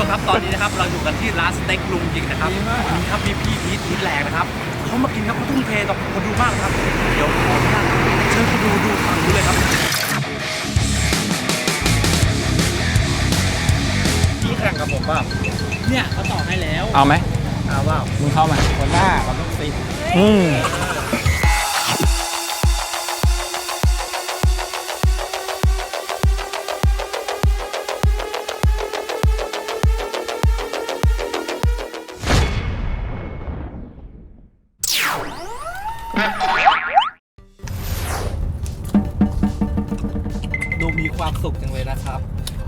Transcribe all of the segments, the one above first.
ชมครับตอนนี้นะครับเราอยู่กันที่ร้านสเต็กลุงหยิกนะครับนี่ครับมีพี่พีทพีทแหลกนะครับเขามากินครับเขาทุ่มเทต่อคนดูมากครับเดี๋ยวขออนุญาตเชิญคุณดูฝั่งนู้นเลยครับพี่แข่งกับผมป่ะเนี่ยเขาต่อให้แล้วเอาไหมเอาว่ามึงเข้ามาคนหน้าเราต้องติดดูมีความสุขจังเลยนะครับ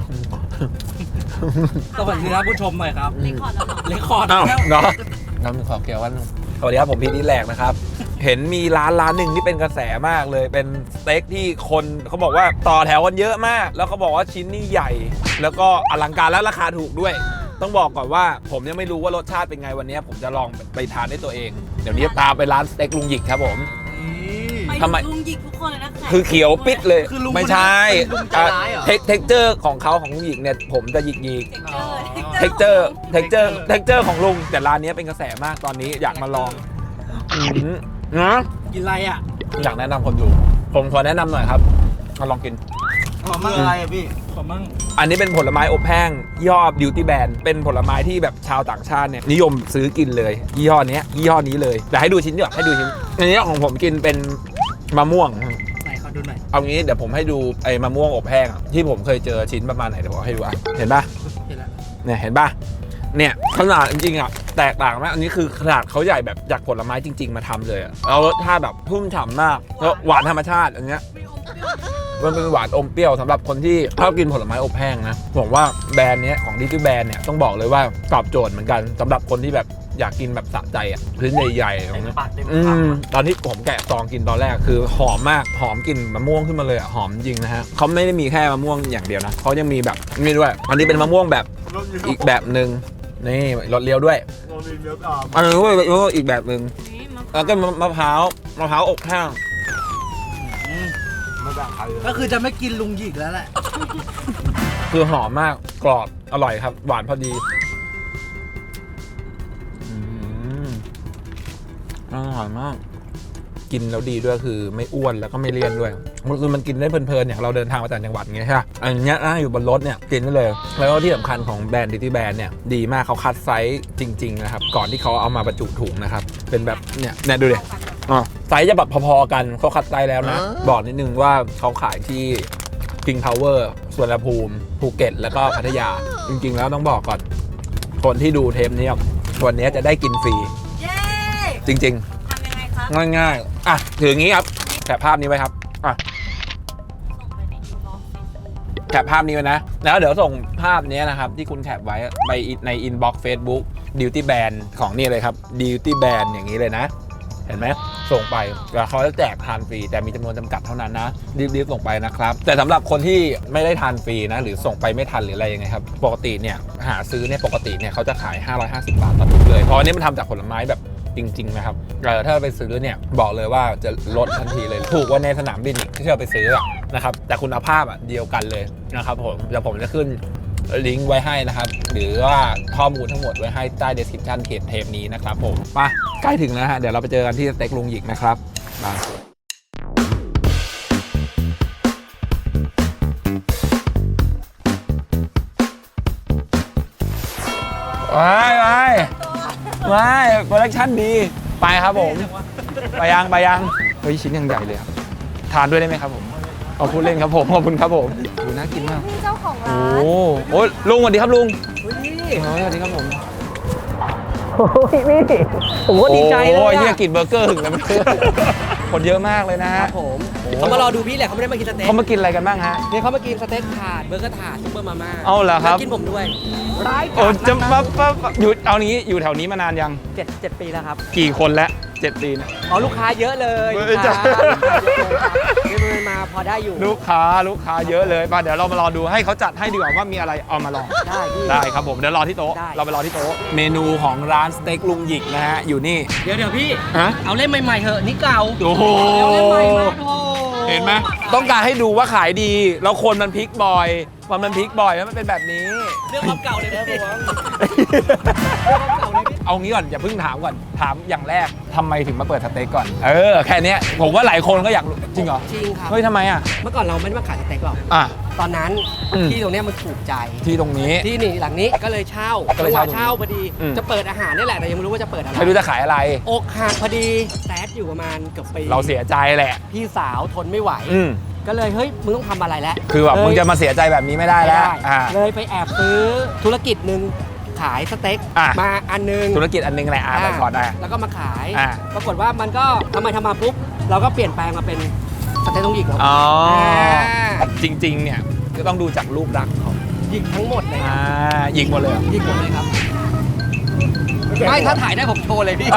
สวัสดีครับผู้ชมหน่อยครับเรคคอร์ดแล้วเนาะน้ำขอเกี่ยววันสวัสดีครับผมพีทแหลกนะครับเห็นมีร้านหนึ่งที่เป็นกระแสมากเลยเป็นสเต็กที่คนเขาบอกว่าต่อแถวกันเยอะมากแล้วเขาบอกว่าชิ้นนี่ใหญ่แล้วก็อลังการและราคาถูกด้วยต้องบอกก่อนว่าผมยังไม่รู้ว่ารสชาติเป็นไงวันนี้ผมจะลองไปทานด้วยตัวเองเดี๋ยวนี้ตามไปร้านสเต็กลุงหยิกครับผมทำไมลุงหยิกทุกคนเลยนะคือเขียวปิดเลยไม่ใช่เท็กเจอร์ของเขาของลุงหยิกเนี่ยผมจะหยิกเท็กเจอร์ของลุงแต่ร้านนี้เป็นกระแสมากตอนนี้อยากมาลองนะกินอะไรอ่ะอยากแนะนำคนดูผมขอแนะนำหน่อยครับมาลองกินขอมั่งอะไรอ่ะพี่ขอมั่งอันนี้เป็นผลไม้อบแห้งยี่ห้อ Beauty Band เป็นผลไม้ที่แบบชาวต่างชาติเนี่ยนิยมซื้อกินเลยยี่ห้อนี้เลยแต่ให้ดูชิ้นดีกว่าให้ดูชิ้นอันนี้ของผมกินเป็นมะม่วงไหนขอดูหน่อยเอางี้เดี๋ยวผมให้ดูไอ้มะม่วงอบแห้งที่ผมเคยเจอชิ้นประมาณไหนเดี๋ยวผมให้ดูอ่ะเห็นป่ะเห็นแล้วเนี่ยเห็นป่ะเนี่ยขนาดจริงๆอ่ะแตกต่างมากอันนี้คือขนาดเขาใหญ่แบบจากผลไม้จริงๆมาทำเลยแล้วรสชาติแบบพุ่มฉ่ำมากแล้วหวานธรรมชาติอันเนี้ยมันเป็นหวานอมเปรี้ยวสำหรับคนที่ชอบกินผลไม้อบแห้งนะผมว่าแบรนด์นี้ของดิจิแบรนด์เนี่ยต้องบอกเลยว่าตอบโจทย์เหมือนกันสำหรับคนที่แบบอยากกินแบบสะใจอ่ะพื้นใหญ่ๆตรงนี้ตอนที่ผมแกะซองกินตอนแรกคือหอมมากหอมกลิ่นมะม่วงขึ้นมาเลยอ่ะหอมจริงนะฮะเขาไม่ได้มีแค่มะม่วงอย่างเดียวนะเขายังมีแบบนี่ด้วยอันนี้เป็นมะม่วงแบบอีกแบบหนึ่งนี่รสเลี้ยวด้วยอันนี้ก็อีกแบบหนึ่งแล้วก็มะพร้าวอบแห้งก็คือจะไม่กินลุงหยิกแล้วแหละคือหอมมากกรอบอร่อยครับหวานพอดีอร่อยมากกินแล้วดีด้วยคือไม่อ้วนแล้วก็ไม่เลี่ยนด้วยคือมันกินได้เพลินๆอย่างเราเดินทางมาต่างจังหวัดไงใช่ไหมอันนี้นั่งอยู่บนรถเนี่ยกินได้เลยแล้วก็ที่สำคัญของแบรนด์ดิจิแบรนด์เนี่ยดีมากเขาคัดไซส์จริงๆนะครับก่อนที่เขาเอามาบรรจุถุงนะครับเป็นแบบเนี่ยดูดิไซส์จะแบบพอๆกันเขาคัดไซส์แล้วนะบอกนิดนึงว่าเขาขายที่ King Power สวนภูมิภูเก็ตแล้วก็พัทยาจริงๆแล้วต้องบอกก่อนคนที่ดูเทปนี้วันนี้จะได้กินฟรีจริงๆทำยังไงครับง่ายๆอ่ะถืออย่างนี้ครับแคปภาพนี้ไว้ครับอ่ะแคปภาพนี้ไว้นะแล้วเดี๋ยวส่งภาพนี้นะครับที่คุณแคปไว้ไปในอินบ็อกซ์ Facebook Beauty Band ของนี่เลยครับ Beauty Band อย่างนี้เลยนะเห็นไหมส่งไปแล้วเขาจะแจกทานฟรีแต่มีจำนวนจำกัดเท่านั้นนะรีบส่งไปนะครับแต่สำหรับคนที่ไม่ได้ทานฟรีนะหรือส่งไปไม่ทันหรืออะไรยังไงครับปกติเนี่ยหาซื้อเนี่ยปกติเนี่ยเขาจะขาย550 บาทต่อถุงเลยเพราะอันนี้มันทำจากผลไม้แบบจริงๆนะครับถ้าไปซื้อเนี่ยบอกเลยว่าจะลดทันทีเลยถูกกว่าในสนามบินที่เราไปซื้อนะครับแต่คุณภาพเดียวกันเลยนะครับผมเดี๋ยวผมจะขึ้นลิงก์ไว้ให้นะครับหรือว่าข้อมูลทั้งหมดไว้ให้ใต้ description เทปนี้นะครับผมไปใกล้ถึงแล้วฮะเดี๋ยวเราไปเจอกันที่สเต็กลุงหยิกนะครับไปโปรดักชั่นดีไปครับผมไปยังเฮ้ยชิ้นยังใหญ่เลยครับทานด้วยได้ไหมครับผมขอบคุณเล่นครับผมขอบคุณครับผมดูน่ากินมากเจ้าของร้านโอ้ลุงสวัสดีครับลุงสวัสดีครับผมโอ้ยนี่ผมก็ดีใจเลยโอ้ยเนี่ยกินเบอร์เกอร์ถึงแล้วคนเยอะมากเลยนะฮะผมเขามารอดูพี่แหละเขาไม่ได้มากินสเต็กเขามากินอะไรกันบ้างฮะเนี่ยเขามากินสเต็กถาดเบอร์เกอร์ถาดซุปเปอร์มาม่าเอาเหรอครับกินผมด้วยโอ้จะมาอยู่เอานี้อยู่แถวนี้มานานยัง 7 ปีแล้วครับกี่คนแล้ว7 ปีนะอ๋อลูกค้าเยอะเลยลูกค้ามาพอได้อยู่ลูกค้าเยอะเลยมาเดี๋ยวเรามารอดูให้เขาจัดให้ดีกว่าว่ามีอะไรเอามาลองได้ครับผมเดี๋ยวรอที่โต๊ะเราไปรอที่โต๊ะเมนูของร้านสเต็กลุงหยิกนะฮะอยู่นี่เดี๋ยวพี่เอาเล่มใหม่ๆเถอะนี่เก่าโอ้โหเห็นไหมต้องการให้ดูว่าขายดีแล้วคนมันพลิกบ่อยว่ามันพลิกบ่อยแล้วมันเป็นแบบนี้เรื่องความเก่าเลยนะพี่เอางี้ก่อนอย่าเพิ่งถามก่อนถามอย่างแรกทำไมถึงมาเปิดสเต็กก่อนแค่เนี้ยผมว่าหลายคนก็อยากรู้จริงเหรอจริงครับเฮ้ยทำไมอ่ะเมื่อก่อนเราไม่ได้มาขายสเต็กหรอกอ่ะตอนนั้นอืมที่ตรงเนี้ยมันถูกใจที่ตรงนี้ที่นี่หลังนี้ก็เลยเช่าก็เลยเช่าเช่าพอดีอืมจะเปิดอาหารนี่แหละแต่ยังไม่รู้ว่าจะเปิดอะไรไม่รู้จะขายอะไรอกหักพอดีแซดอยู่ประมาณเกือบปีเราเสียใจแหละพี่สาวทนไม่ไหวอืมก็เลยเฮ้ยมึงต้องทำอะไรแล้วคือแบบเลยมึงจะมาเสียใจแบบนี้ไม่ได้แล้วไม่ได้เลยไปแอบซื้อธุรกิจหนึ่งขายสเต็กอ่ะมาอันหนึงธุรกิจอันนึงแหละไปก่อนได้แล้วก็มาขายอ่ะปรากฏว่ามันก็ทำมาปุ๊บเราก็เปลี่ยนแปลงมาเป็นสเต็กต้องหยิกแล้วอ๋ออ่าจริงๆเนี่ยก็ต้องดูจากรูปลักษณ์เขาหยิกทั้งหมดเลยครับยิงหมดเลยเหรอหยิกหมดเลยครับไม่ถ้าถ่ายได้ผมโชว์เลยพี่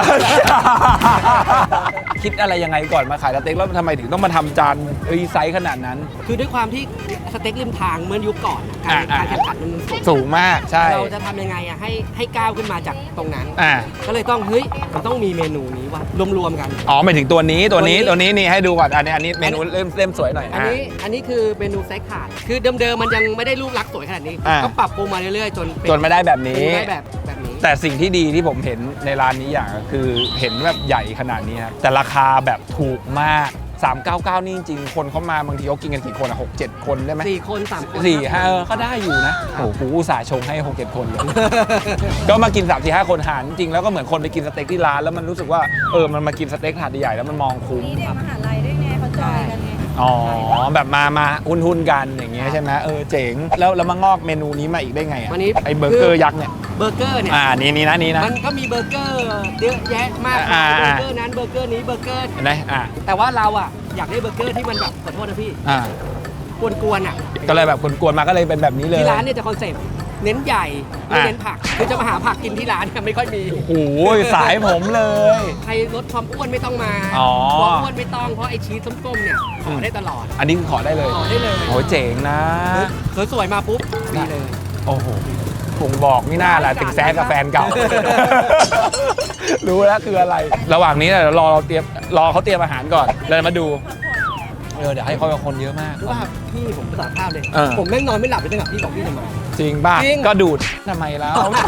คิดอะไรยังไงก่อนมาขายสเต็กแล้วทำไมถึงต้องมาทำจานไซส์ขนาดนั้นคือด้วยความที่สเต็กริมทางเมื่อยุคก่อนอะการแข่งขันมันสูงสูงมากใช่เราจะทำยังไงอะให้ก้าวขึ้นมาจากตรงนั้นอ่าก็เลยต้องเฮ้ยมันต้องมีเมนูนี้ว่ะรวมๆกันอ๋อหมายถึงตัวนี้นี่ให้ดูก่อนอันนี้เมนูอันนี้เริ่มสวยหน่อยอันนี้คือเมนูไซส์ขาดคือเดิมๆมันยังไม่ได้รูปลักษณ์สวยขนาดนี้อ่าก็ปรับปรุงมาเรื่อยๆจนเป็นจนไม่ได้แบบนี้ได้แบบนี้แต่สิ่งที่ดีที่ผมเห็นในร้านนี้อย่างก็คือเห็นแบบใหญ่ขนาดนี้ครับแต่ราคาแบบถูกมาก 399 นี่จริงๆคนเขามาบางทีเขากินกันกี่คนอ่ะ6-7 คนได้ไหม 4 คน3 คนสี่ห้าก็ได้อยู่นะโอ้โหกูอุตส่าห์ชงให้ 6-7 คนเลย ก็มากิน 3-4-5 คนหารจริงๆแล้วก็เหมือนคนไปกินสเต็กที่ร้านแล้วมันรู้สึกว่ามันมากินสเต็กถาดใหญ่ๆแล้วมันมองคุ้มนี่เด็กมหาลัยด้วยไงเขาจอยกันไงอ๋อแบบมาหุ้นกันอย่างเงี้ยใช่ไหมเจ๋งแล้วมางอกเมนูนี้มาอีกได้ไงอ่ะวันนี้ไอ้เบอร์เกอร์ยักษ์เนี่ยเบอร์เกอร์เนี่ยนี่นะมันก็มีเบอร์เกอร์เยอะแยะมากมายเบอร์เกอร์นั้นเบอร์เกอร์นี้เบอร์เกอร์เห็นไหมแต่ว่าเราอะอยากได้เบอร์เกอร์ที่มันแบบขอโทษนะพี่ กวนๆอะก็เลยแบบกวนๆมาก็เลยเป็นแบบนี้เลยที่ร้านเนี่ยจะคอนเซ็ปต์เน้นใหญ่ไม่อ่ะเน้นผักคือจะมาหาผักกินที่ร้านเนี่ยไม่ค่อยมีโอ้โหสายผมเลยใครลดความอ้วนไม่ต้องมาอ๋อความอ้วนไม่ต้องเพราะไอชีสส้มๆเนี่ยขอได้ตลอดอันนี้คือขอได้เลยขอได้เลยโอ้ยเจ๋งนะสวยๆมาปุ๊บนี่เลยโอ้โหผมบอกไม่น่าแหละถึงแซดกับแฟนเก่า รู้แล้วคืออะไร ระหว่างนี้เนี่ยเดี๋ยวรอเขาเตรียมอาหารก่อนเลยมาดูเดี๋ยวให้เขาคนเยอะมากรู้ป่ะพี่ผมสารภาพเลยเออผมแม่งนอนไม่หลับเลยตั้งแต่พี่บอกพี่จะมาจริงป่ะจริงก็ดูดทำไมแล้ว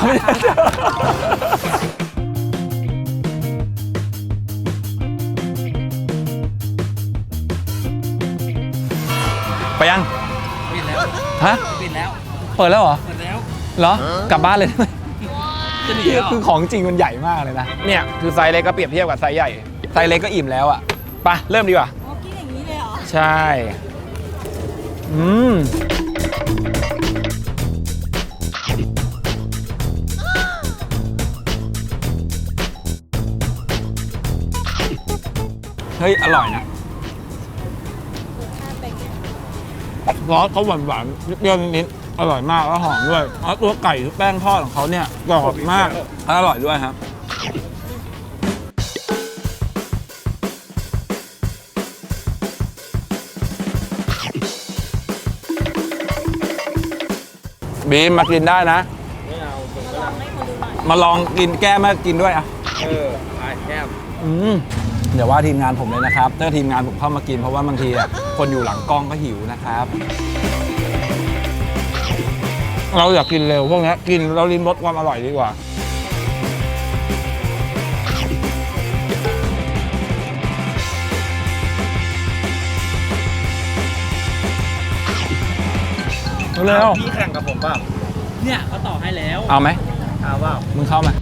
ไปยังปิดแล้วฮะปิดแล้วเปิดแล้วเหรอเปิดแล้วเหรอ กลับบ้านเลยได้ไหมจะหนีคือเหรอคือของจริงมันใหญ่มากเลยนะ เนี่ยคือไซส์เล็กก็เปรียบเทียบกับไซส์ใหญ่ ไซส์เล็กก็อิ่มแล้วอ่ะไปเริ่มดีกว่าอ๋อกินอย่างนี้เลยเหรอใช่ เฮ้ย อร่อยนะซอสเขาหวานๆเปรี้ยวนิดๆอร่อยมากแล้วหอมด้วยแล้วตัวไก่แป้งทอดของเขาเนี่ยกรอบมากอร่อยด้วยครับ บีมมากินได้นะ มาลองกินแก้มมากินด้วยอ่ะแก้มเดี๋ยวว่าทีมงานผมเลยนะครับ ถ้าทีมงานผมเข้ามากินเพราะว่าบางทีอ่ะคนอยู่หลังกล้องก็หิวนะครับ เราอยากกินเร็วพวกนี้กินเราลิ้มรสความอร่อยดีกว่า เร็วพี่แข่งกับผมเปล่าเนี่ยเขาต่อให้แล้วเอาไหมเอาเปล่ามึงเข้ามา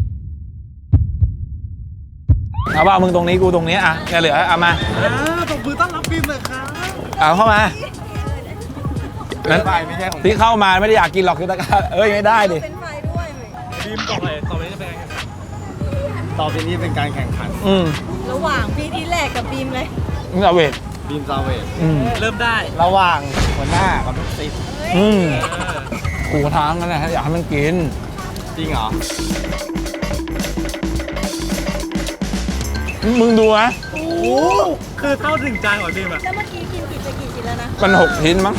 เอาเปล่ามึงตรงนี้กูตรงนี้อ่ะแกเหลือเอามาตบมือต้อนรับบีมเลยครับเอาเข้ามานั้นไปไม่ใช่ของที่เข้ามาไม่ได้อยากกินหรอกคือตะการไม่ได้ดิเป็นไฟด้วยบีมต่อเลยต่อไปนี้จะเป็นการแข่งขันต่อไปนี้เป็นการแข่งขันระหว่างพี่ที่แรกกับบีมเลยมึงเอาเวทบีมซาเวทอืมเริ่มได้ระหว่างหัวหน้ากับลูกศิษย์อืมกูท้างนั่นแหละอยากให้มันกินจริงเหรอมึงดูนะโอ้คือเท่าถึงจานของบีมอะแล้วเมื่อกี้กินกี่ชิ้นแล้วนะมัน6 ชิ้นมั้ง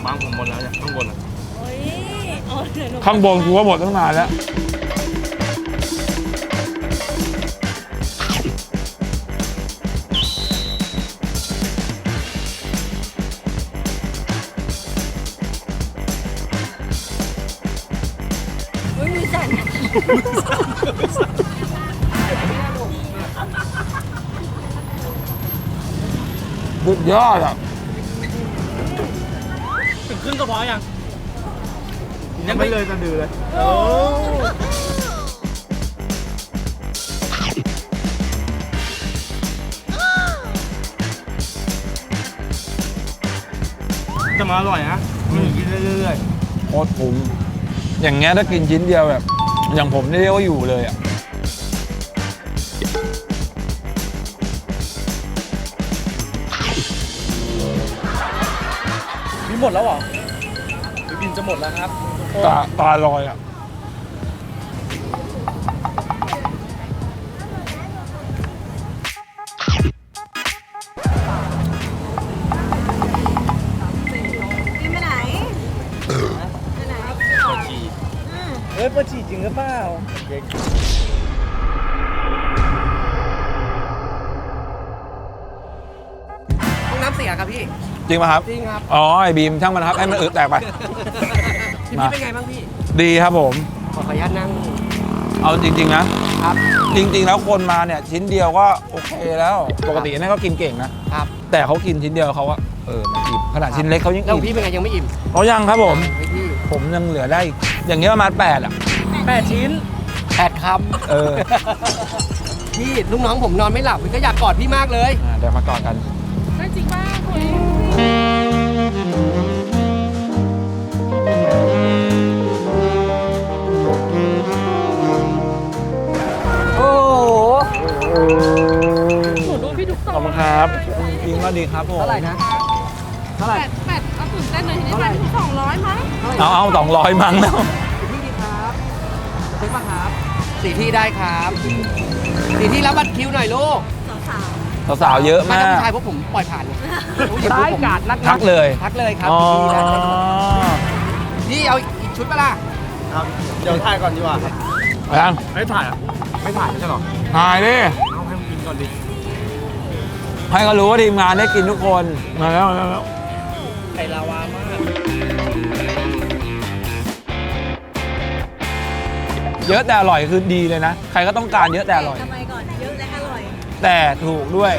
บางผมหมดแล้วเนี่ยข้างบนอ่ะโอ้ยเอาเดี๋ยวหนูข้างบนกูว่าหมดตั้งนานแล้วอุ้ยมือสั่นสุดยอดอ่ะถึงครึ่งก็พอยังไม่เลยจะดือเลยจะมาอร่อยนะกินเรื่อยโคตรคุ้มอย่างเงี้ยถ้ากินชิ้นเดียวแบบ อย่างผมนี่เรียกว่าอยู่เลยอ่ะๆนี่หมดแล้วเหรอหรือบินจะหมดแล้วครับตาลอยอ่ะกินไปไหนไปไหนเฮ้ยปฉี่จริงหรือเปล่าห้องน้ำเสียครับพี่จริงป่ะครับจริงครับอ๋อ ไอ้บีมช่างมันครับให้มันอึแตกไปทีนี้เป็นไงบ้างพี่ดีครับผมขออนุญาตนั่งเอาจริง ๆ นะครับจริง ๆ แล้วคนมาเนี่ยชิ้นเดียวก็โอเคแล้ว ปกตินั่นก็กินเก่งนะครับแต่เขากินชิ้นเดียวเขาว่ามันอิ่มขนาดชิ้นเล็กเขายังแล้วอิ่มพี่เป็นไงยังไม่อิ่มเขายังครับผมเฮ้ยพี่ผมยังเหลือได้อีกอย่างเงี้ยประมาณ8อ่ะ 8 ชิ้น 8 คเออำ พี่ลูกน้องผมนอนไม่หลับก็อยากกอดพี่มากเลยเดี๋ยวมากอดกันจริงป่ะคุยโอ้โหหนูดูพี่ทุกขอบคุณครับยิงก็ดีครับผมเท่าไหร่นะ เท่าไหร่แปดเอาตื่นเต้นเลยทีนี้มัน200มั้งเอา200มั้งแล้วสี่ที่ดีครับจะซื้อป่ะครับสี่ที่ได้ครับสี่ที่รับบัตรคิวหน่อยลูกสาวสาวๆเยอะมามาถ้าผู้กชายพวกผมปล่อยผ่านเลยได้กาดทักเลยทักเลยครับอ๋อพี่เอาอีกชุดปะล่ะครับเดี๋ยวถ่ายก่อนดีกว่าครับยังไม่ถ่ายอ่ะไม่ถ่ายไม่ใช่หรอถ่ายดิเอาให้มันกินก่อนดิให้เขารู้ว่าทีมงานได้กินทุกคนมาแล้วมาแล้วไข่ลาวามากเยอะแต่อร่อยคือดีเลยนะ ใครก็ต้องการเยอะแต่อร่อยทำไมก่อนเยอะและอร่อยแต่ถูกด้วย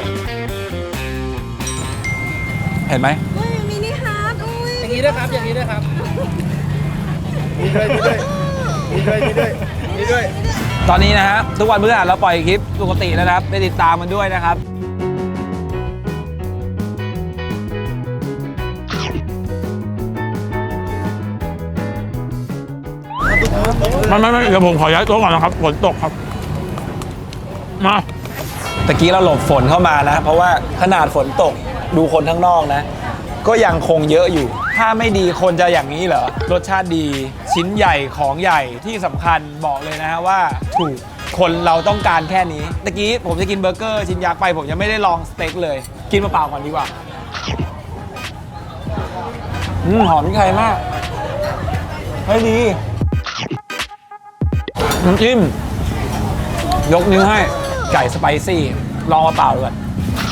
เห็นไหมอุ้ยมินิฮาร์ดอุ้ยอย่างนี้ด้วยครับ อย่างนี้ด้วยครับมีด้วยมีด้วยมีด้วยมีด้วยตอนนี้นะฮะทุกวันพฤหัสเราปล่อยคลิปปกติแล้วนะครับไปติดตามมันด้วยนะครับ ไม่เดี๋ยวผมขอย้ายโต๊ะก่อนนะครับฝนตกครับมาตะกี้เราหลบฝนเข้ามานะ เพราะว่าขนาดฝนตกดูคนข้างนอกนะ ก็ยังคงเยอะอยู่ ถ้าไม่ดีคนจะอย่างนี้เหรอรสชาติดีชิ้นใหญ่ของใหญ่ที่สำคัญบอกเลยนะฮะว่าถูกคนเราต้องการแค่นี้ตะกี้ผมจะกินเบอร์เกอร์ชิ้นยักษ์ไปผมยังไม่ได้ลองสเต็กเลยกินเปล่าๆก่อนดีกว่าหอมพริกไทยมากเฮ้ยดีน้ำจิ้มยกนิ้วให้ไก่สไปซี่ลองมาเปล่าดูก่อน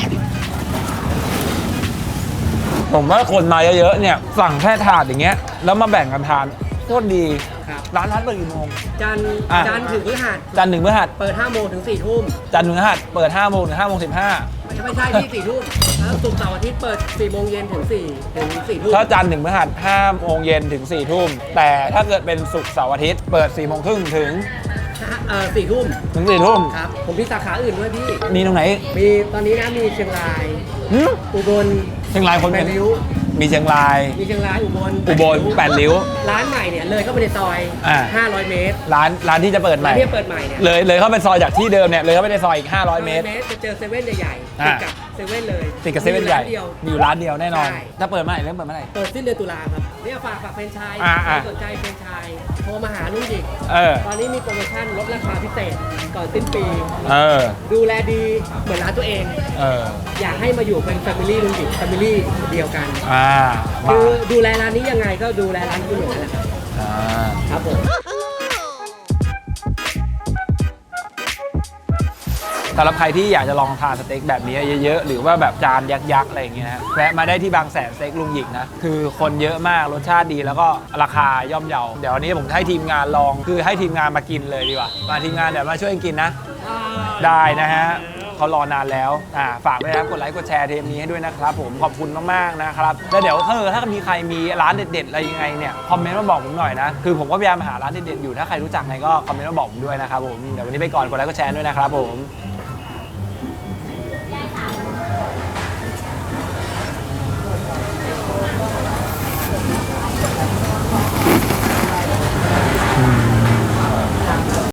ผมว่าคนมาเยอะๆเนี่ยสั่งแค่ถาดอย่างเงี้ยแล้วมาแบ่งกันทานโคตรดีครับร้านเปิดกี่โมงจันทร์อ่ะจันทร์ถึงพฤหัสจันทร์ถึงพฤหัสเปิด5 โมงถึง 4 ทุ่มจันทร์ถึงพฤหัสเปิด5 โมงถึง5 โมงไม่ใช่ที่ 4 ทุ่มแล้วศุกร์เสาร์อาทิตย์เปิด 4 โมงเย็นถึง 4 ทุ่ม 15ถ้าจันทร์ถึงพฤหัส5 โมงเย็นถึง 4 ทุ่มแต่ถ้าเกิดเป็นศุกร์เสาร์อาทิตย์เปิด 4 โมงครึ่งถึง 4 ทุ่ม 4 ทุ่มครับ ผมมีสาขาอื่นด้วยพี่มีตรงไหนมีตอนนี้นะมีเชียงรายหึอุบลเชียงรายคนแปเป็ดนริ้วมีเชียงรายมีเชียงรายอุบล 8 ริ้วร้านใหม่เนี่ยเลยเข้าไปในซอยอ่า 500 เมตรร้านที่จะเปิดใหร้าม่นที่เปิดใหม่เนี่ยเลยเข้าไปซอยจากที่เดิมเนี่ยเลยเข้าไปในซอยอีก500 เมตรจะเจอเซเว่นใหญ่ๆอ่าติดกับเซเว่นเลยติดกับเซเว่นใหญ่มีร้าเดียวมีอยู่ร้านเดียวแน่นอนใช่ถ้าเปิดเมื่อไหร่เริ่มเปิดเมื่อไหร่เปิดสิ้นเดือนตุลาครับเนี่ยฝากแฟรนไชส์อ่าสนใจแฟรนไชส์โทรมาหาลุงหยิกเออตอนนี้มีโปรโมชั่นลดราคาพิเศษก่อนสิ้นปีเออดูแลดีเหมือนร้านตัวเองเอออยากให้มาอยู่เป็นแฟมิลี่ลุงหยิกแฟมิลี่เดียวกันมาคือดูแลร้านนี้ยังไงก็ดูแลร้านคุณอย่างนั้นแหละอ่าครับผมสำหรับใครที่อยากจะลองทานสเต็กแบบนี้เยอะๆ หรือว่าแบบจานยักษ์ๆ อะไรอย่างเงี้ยนะแวะมาได้ที่บางแสนสเต็กลุงหยิกนะ คือคนเยอะมาก รสชาติดีแล้วก็ราคาย่อมเยา เดี๋ยววันนี้ผมให้ทีมงานลอง คือให้ทีมงานมากินเลยดีกว่า มาทีมงานเดี๋ยวมาช่วยกันกินนะ ได้นะฮะเขารอนานแล้วฝากด้วยนะครับกดไลค์กดแชร์เทปนี้ให้ด้วยนะครับผมขอบคุณมากๆนะครับแล้วเดี๋ยวถ้ามีใครมีร้านเด็ดๆอะไรยังไงเนี่ยคอมเมนต์มาบอกผมหน่อยนะคือผมก็พยายามหาร้านเด็ดๆอยู่ถ้าใครรู้จักไงก็คอมเมนต์มาบอกผมด้วยนะครับผมเดี๋ยววันนี้ไปก่อนกดไลค์กดแชร์ด้วยนะครับผม